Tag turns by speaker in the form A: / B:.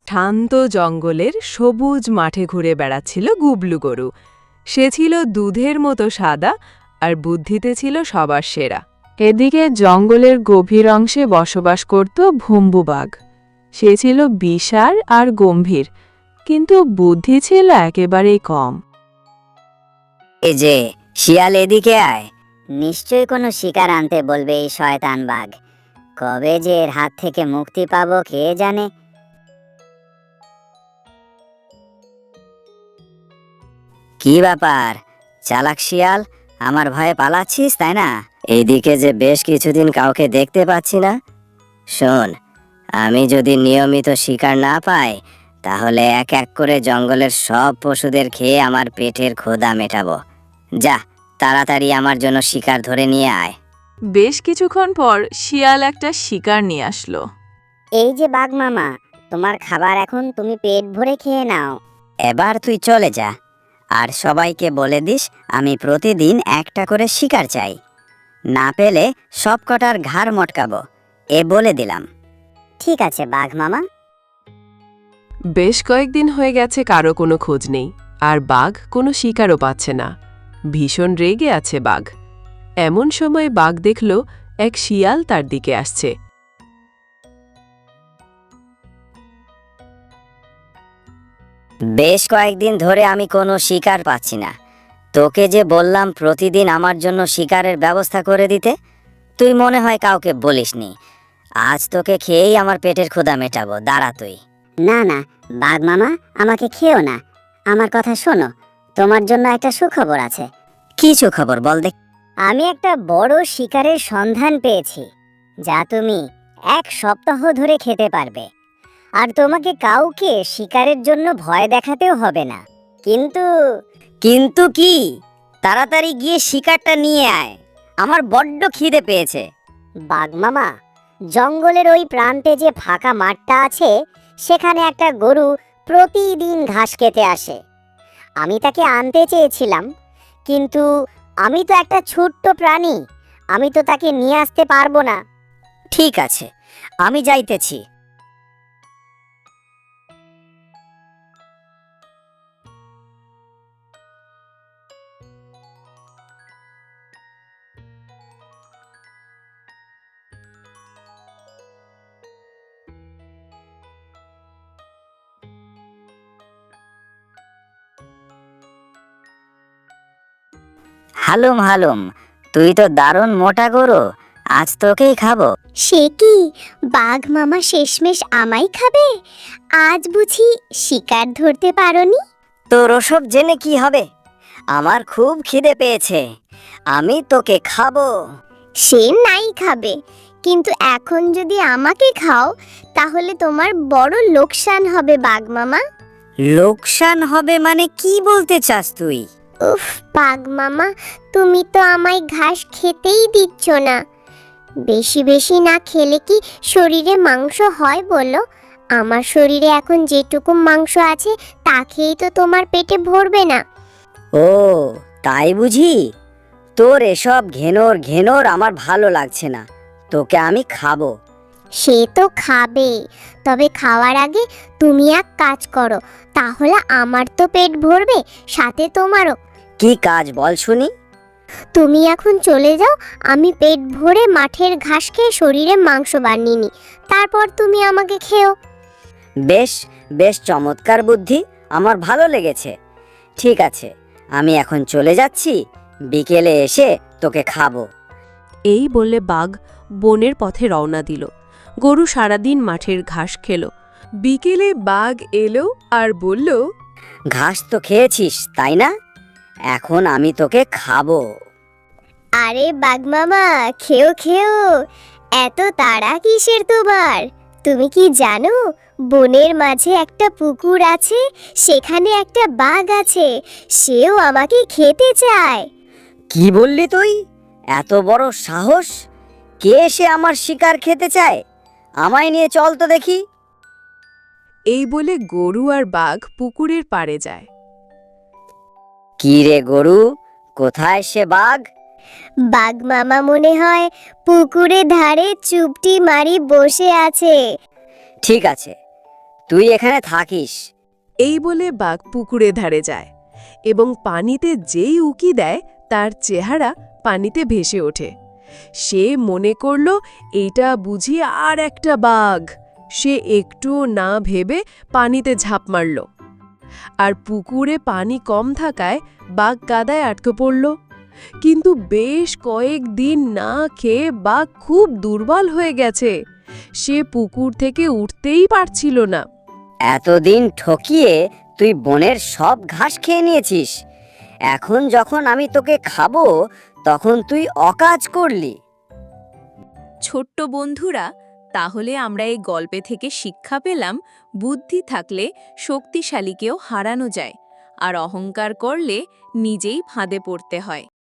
A: শান্ত জঙ্গলের সবুজ মাঠে ঘুরে বেড়াচ্ছিল গুবলু গরু। সে ছিল দুধের মতো সাদা আর বুদ্ধিতে ছিল সবার সেরা। এদিকে জঙ্গলের গভীর অংশে বসবাস করত ভুম্বু বাঘ। সে ছিল বিশাল আর গম্ভীর, কিন্তু বুদ্ধি ছিল একেবারেই কম।
B: এই যে শিয়াল, এদিকে আয়। নিশ্চয়ই কোনো শিকার আনতে বলবে এই শয়তান বাঘ। কবে যে এর হাত থেকে মুক্তি পাবো কে জানে। কি ব্যাপার চালাক শিয়াল, আমার ভয়ে পালাচ্ছিস তাই না? এইদিকে যে বেশ কিছুদিন কাউকে দেখতে পাচ্ছি না। শোন, আমি যদি নিয়মিত শিকার না পাই তাহলে এক এক করে জঙ্গলের সব পশুদের খেয়ে আমার পেটের ক্ষুধা মেটাবো। যা, তাড়াতাড়ি আমার জন্য শিকার ধরে নিয়ে আয়।
A: বেশ কিছুক্ষণ পর শিয়াল একটা শিকার নিয়ে আসলো।
B: এই যে বাঘ মামা, তোমার খাবার এখন তুমি পেট ভরে খেয়ে নাও। এবার তুই চলে যা, আর সবাইকে বলে দিস আমি প্রতিদিন একটা করে শিকার চাই। না পেলে সব কটার ঘাড় মটকাবো, এ বলে দিলাম। ঠিক আছে বাঘ মামা।
A: বেশ কয়েকদিন হয়ে গেছে, কারো কোনো খোঁজ নেই, আর বাঘ কোনো শিকারও পাচ্ছে না। ভীষণ রেগে আছে বাঘ। এমন সময় বাঘ দেখল এক শিয়াল তার দিকে আসছে।
B: বেশ কয়েকদিন ধরে আমি কোনো শিকার পাচ্ছি না। তোকে যে বললাম প্রতিদিন আমার জন্য শিকারের ব্যবস্থা করে দিতে, তুই মনে হয় কাউকে বলিসনি। আজ তোকে খেয়েই আমার পেটের ক্ষুধা মেটাবো, দাঁড়া তুই। না না বাঘ মামা, আমাকে খেও না। আমার কথা শোনো, তোমার জন্য একটা সুখবর আছে। কি সুখবর বল দেখ। আমি একটা বড় শিকারের সন্ধান পেয়েছি, যা তুমি 1 সপ্তাহ ধরে খেতে পারবে। আর তোমাকে কাউকে শিকারের জন্য ভয় দেখাতেও হবে না। কিন্তু কিন্তু কি? তাড়াতাড়ি গিয়ে শিকারটা নিয়ে আয়, আমার বড্ড খিদে পেয়েছে। বাঘ মামা, জঙ্গলের ওই প্রান্তে যে ফাঁকা মাঠটা আছে, সেখানে একটা গরু প্রতিদিন ঘাস খেতে আসে। আমি তাকে আনতে চেয়েছিলাম, কিন্তু আমি তো একটা ছোট্ট প্রাণী, আমি তো তাকে নিয়ে আসতে পারবো না। ঠিক আছে, আমি যাইতেছি। হালুম হালুম, তুই তো দারুণ মোটা গরু, আজ তোকেই খাবো।
C: সে কি, বাঘ মামা শেষমেশ আমায় খাবে? আজ বুঝি শিকার ধরতে পারোনি?
B: তোর ওসব জেনে কি হবে? আমার খুব খিদে পেয়েছে, আমি তোকে খাবো।
C: সে নাই খাবে, কিন্তু এখন যদি আমাকে খাও তাহলে তোমার বড় লোকসান হবে বাঘ মামা।
B: লোকসান হবে মানে কি বলতে চাস তুই?
C: উফ বাঘ মামা, তুমি তো আমায় ঘাস খেতেই দিচ্ছ না। বেশি বেশি না খেলে কি শরীরে মাংস হয় বলো? আমার শরীরে এখন যেটুকু মাংস আছে তা খেয়েই তো তোমার পেটে ভরবে না।
B: ও তাই বুঝি? তোর এসব ঘেনর ঘেনর আমার ভালো লাগছে না, তোকে আমি খাবো।
C: সে তো খাবে, তবে খাওয়ার আগে তুমি এক কাজ করো, তাহলে আমার তো পেট ভরবে, সাথে তোমারও।
B: কি কাজ বল শুনি?
C: তুমি এখন চলে যাও, আমি পেট ভরে মাঠের ঘাস খেয়ে শরীরে মাংস বানিয়ে নিই, তারপর তুমি আমাকে খেও।
B: বেশ বেশ চমৎকার বুদ্ধি, আমার ভালো লেগেছে। ঠিক আছে, আমি এখন চলে যাচ্ছি, বিকেলে এসে তোকে খাবো।
A: এই বলে বাঘ বনের পথে রওনা দিল। গরু সারাদিন মাঠের ঘাস খেল। বিকেলে বাঘ এলো আর বলল,
B: ঘাস তো খেয়েছিস তাই না? এখন আমি তোকে খাবো।
C: আরে বাঘ মামা, খেও খেও, এত তাড়া কিসের তোমার? তুমি কি জানো বনের মাঝে একটা পুকুর আছে, সেখানে একটা বাঘ আছে, সেও আমাকে খেতে চায়।
B: কি বললি তুই? এত বড় সাহস! কে এসে আমার শিকার খেতে চায়? আমায় নিয়ে চল তো দেখি।
A: এই বলে গরু আর বাঘ পুকুরের পাড়ে যায়।
B: কি রে গরু, কোথায় সে বাঘ?
C: বাঘ মামা মনে হয় পুকুরে ধারে চুপটি মারি বসে আছে।
B: ঠিক আছে, তুই এখানে থাকিস।
A: এই বলে বাঘ পুকুরে ধারে যায় এবং পানিতে যেই উকি দেয় তার চেহারা পানিতে ভেসে ওঠে। সে মনে করল এইটা বুঝি আর একটা বাঘ। সে একটুও না ভেবে পানিতে ঝাঁপ মারল, আর পুকুরে পানি কম থাকায় বাঘ কাদায় আটকে পড়ল। কিন্তু বেশ কয়েকদিন না খেয়ে বাঘ খুব দুর্বল হয়ে গেছে। সে পুকুর থেকে উঠতেই পারছিল না।
B: এতদিন ঠকিয়ে তুই বনের সব ঘাস খেয়ে নিয়েছিস। এখন যখন আমি তোকে খাবো তখন তুই অকাজ করলি।
D: ছোট্ট বন্ধুরা, তাহলে আমরা এই গল্পে থেকে শিক্ষা পেলাম, বুদ্ধি থাকলে শক্তিশালীকেও হারানো যায়, আর অহংকার করলে নিজেই ফাঁদে পড়তে হয়।